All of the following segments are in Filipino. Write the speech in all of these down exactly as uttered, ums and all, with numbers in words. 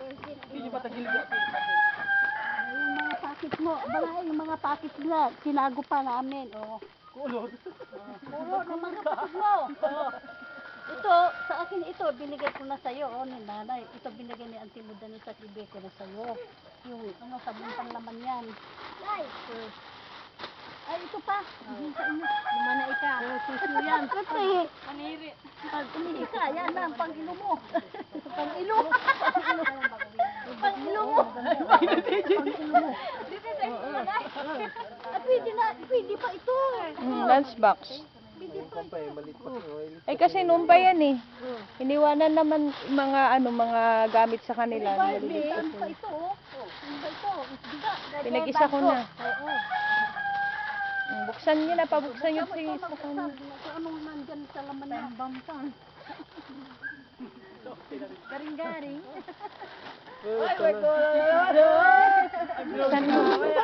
Hindi ba tagilid? Yung mga pakit mo, bala yung mga pakit nila, tinago pa namin, oh. Kulot. Puro ng mga kapatid mo. Oh. Ito, sa akin ito, binigay ko na sa'yo, oh, ni nanay. Ito binigay ni Auntie Muda sa ibig ko na sa'yo. Yung, ano, sabong panglaman yan. Ay, uh, ay, ito pa. Hindi sa inyo. Lumana ika. Oh, tissue yan. Siyempre, Paniri. pag umihi ka, yan na, pang-ilo mo. Pang-ilo. Pang-ilo mo. Pang-ilo mo. Ah, pwede na, pwede pa ito. Mm, lunchbox. Pwede pa ito. Eh kasi noon pa yan eh. Iniwanan naman mga ano mga gamit sa kanila. Barbie, ano pa ito, oh. Ano pa ito? Biga. Pinag-isa ko na. Oo. Mm, Buksan niyo na, pabuksan niyo sige sa kanila. Kung anong nandyan sa laman niya. Bambang. Garing-garing. Ay, my God. Buksan mo.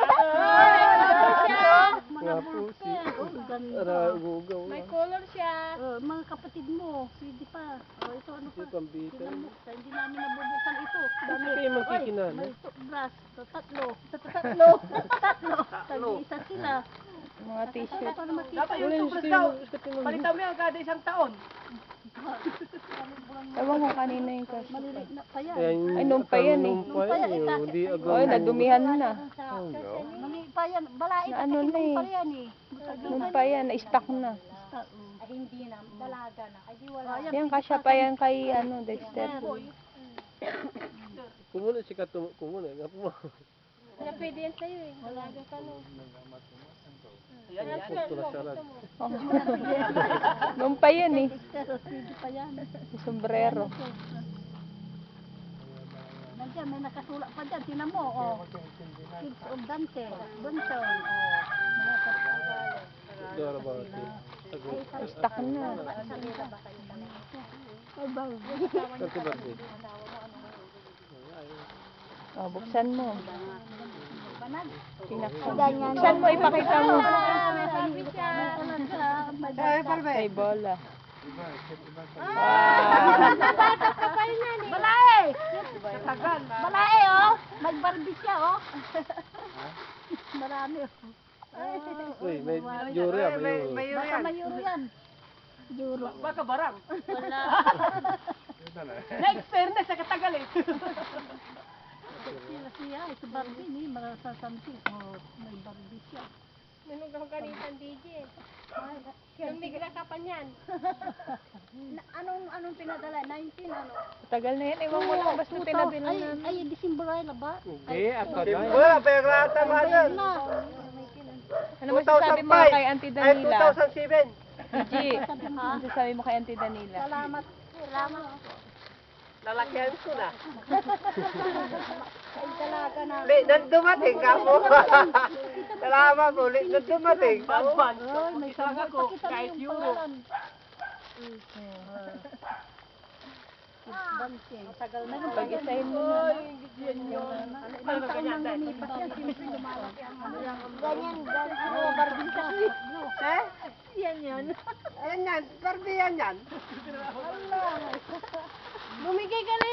Mga pusi. Oh, ganda. May color siya. Oh, mga kapatid mo, pwede pa. Oh, ito ano pa? Tingnan mo, sa hindi namin nabubuksan ito. Dami. Kayo magkikinan, May toothbrush. So, tatlo. Tatlo. Tatlo. Tag-isa sila. Mga t-shirt. Para makita. Dapat yung tubos daw. Palitan mo yan kada isang taon. Ewan ko kanina yung kasi. Maliliit na pa yan. Ay, noon pa yan eh. Nung pa yan, eh, Hindi agad. Oy, nadumihan na. Mali pa yan. Balait Na at ano na nung eh. pa yan eh. Matagal Noon pa yan, na-stock na. Ay, hindi na. Dalaga na. Ay, di wala. Yan, kasya pa yan kay ano, Dexter. Kumuna si Katum. Kumuna. Nga po mo. Wala pwede yan sa'yo eh. Dalaga ka no. Ito na sarad. Oh. Noon pa yan eh. Pero pwede pa yan. Yung sombrero. Nandiyan, may nakasulat pa dyan. Tinan mo, oh. Kids of Dante. Bunson, oh. Mga kapatid. Dora ba? Stock na. Ay, bago. Kasi birthday. Oh, buksan mo. Panag. Pinaksan. Ganyan. Buksan mo, ipakita mo. Ay, May bola. Balae! Balae, oh! Mag-barbie siya, oh! Marami, oh. Uy, may jure ah. May jure. Baka may euro yan. Euro. Baka barang. Wala. Next fairness sa katagal eh. Sila siya, ito Barbie ni, marasasampi. Oh, may Barbie siya. Nung kanitan D J. Yung bigla ka pa niyan. Na- Anong anong pinadala? nineteen ano? Tagal na yan. Ewan mo lang basta pinabilang Ay, namin. ay, December ay na ba? Hindi, ako na. Wala, perata ba yan? Na. Ano masasabi mo kay Auntie Danila? two thousand seven. Gigi, ano masasabi mo kay Auntie Danila? Salamat. Salamat. Lalakyan ko na. Ay, talaga na. Ulit na dumating ka mo. Salamat po, ulit na dumating. Ay, may sabon. Pakita mo yung pangalan. Matagal na yung Pag-isahin mo na. Ilang taon nang lumipas yan, siyempre lumalaki ang ano yan. Ganyan, ganyan. Oo, Barbie siya. Eh? Yan yan. Ayan yan, Barbie yan yan. Bumigay ka na